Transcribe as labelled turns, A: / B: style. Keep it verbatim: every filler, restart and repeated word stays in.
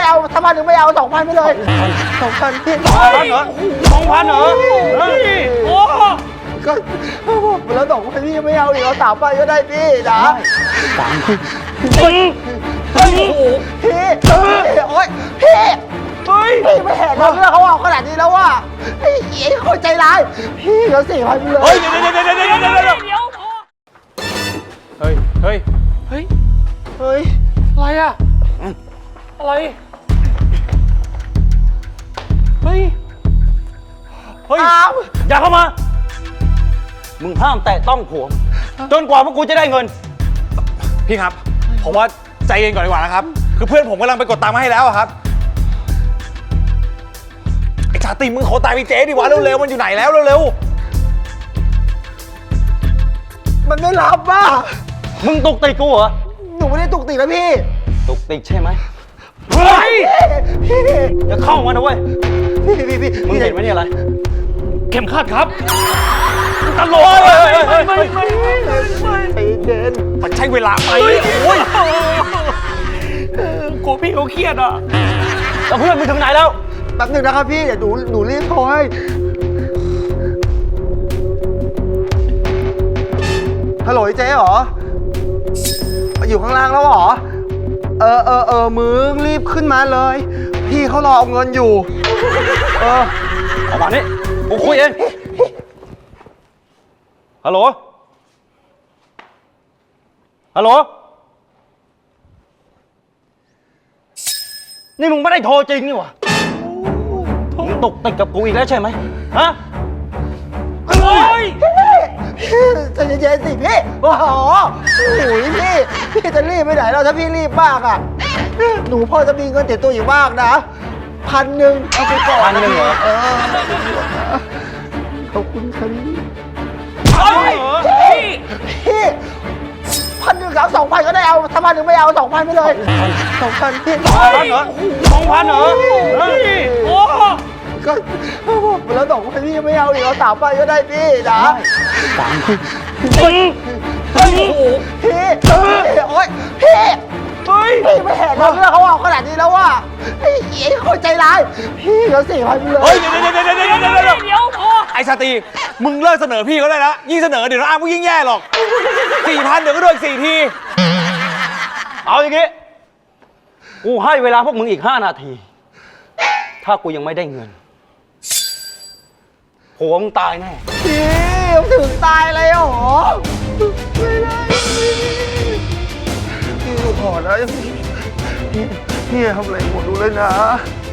A: เอาถ้าพันหนึ่งไม่เอาสองพันไปเลยสองพันพี่สองพันเหรอ
B: สองพันเหรอเฮ้ยโอ้
A: ก็บอกไปแล้วสองพันพี่ไม่เอาอีกเอาสามพันก็ได้พี่นะสามพันพี่พี่โอ๊ยพี่เฮ้ยพี่ไม่เห็นเราเรื่องเขาเอาขนาดนี้แล้วว่าไอ้ไอ้คนใจร้ายพี่เหลือสี่พันไปเลย
B: เฮ้ยเดี๋ยวเดี๋ยวเดี๋ยวเดี๋ยวเดี๋ยวเดี๋ยวเฮ้ยเฮ้ยเฮ้ย
A: เฮ้ย
B: อะไรอะอะไรเฮ้ยเฮ้ยอย่าเข้ามามึงห้ามแตะต้องผัวจนกว่าพวกกูจะได้เงิน
C: พี่ครับผมว่าใจเย็นก่อนดีกว่านะครับคือเพื่อนผมกำลังไปกดตังค์มาให้แล้วครับไอ้ชาติมึงขอตายไปเจ๊ดิวะเร็วๆมันอยู่ไหนแล้วเร็ว
A: ๆมันไม่รับว่ะ
B: มึงตุกติกกูเหรอ
A: หนูไม่ได้ตุกติกนะพี่
B: ตุกติกใช่ไหมเฮ้ยอย่าเข้ามานะเว้ย
A: พี่พี่พี่
B: มึงเห็นไหมเนี่ยอะไรเข็มขัดครับตลกไม่ไม่ไม่ไม่
A: ไปเดิน
C: มันใช้เวลาไป
B: โอ้ยกูพี่เขาเครียดอ่ะแล้วเพื่อนมึงถึงไหนแล้ว
A: แป๊บหนึ่งนะครับพี่เดี๋ยวหนูหนูรีบโทรให้ฮัลโหลเจ๊เหรออยู่ข้างล่างแล้วเหรอเออเออเออมึงรีบขึ้นมาเลยพี่เขารอเอาเงินอยู่เออ
B: เอามานี่กูคุยเองฮัลโหลฮัลโหลนี่มึงไม่ได้โทรจริงนี่หว่ามึงตกติดกับกูอีกแล้วใช่ไหมฮะ
A: โอ้ยใจเย็นๆสิพี่โอ้โหโอ้ยพี่พี่จะรีบไปไหนเราถ้าพี่รีบมากอ่ะหนูพอจะมีเงินติดตัวอยู่บ้างนะพันหนึ่งเอาไปก่อน
B: พันหนึ่งเหรอ
A: ขอบคุณครับ
B: พี่
A: พี่พันหนึ่งกับสองพันก็ได้เอาถ้าพันหนึ่งไม่เอาสองพันไปเลยสองพันพี่
B: สองพันเหรอสองพันเหรอเฮ้ยโอ้
A: ก็บอกไปแล้วสองพันพี่ไม่เอาอีกเอาสามพันก็ได้พี่นะสามพันพี่พี่โอ๊ยพี่พี่ไม่เห็นเราเรื่องเขาเอาขนาดนี้แล้วว่าไอ้ไอ้คนใจร้ายพี่เหลือสี่พันไปเลย
C: เฮ้ยเดี๋ยวเดี๋ยวเดี๋ยวเดี๋ยวเดี๋ยวเดี๋ยวไอ้ชาติมึงเลิกเสนอพี่เขาได้แล้วยิ่งเสนอเดี๋ยวน้องอาร์มก็ยิ่งแย่หรอกสี่พันเดี๋ยวก็โดนสี่ที
B: เอาอย่างงี้กูให้เวลาพวกมึงอีกห้านาทีถ้ากูยังไม่ได้เงินผัวมึงตายแน่
A: พี่ถึงตายเลยเหรอไม่ได้พี่ขอนะพี่พี่ทำอะไรหมดดูเลยนะ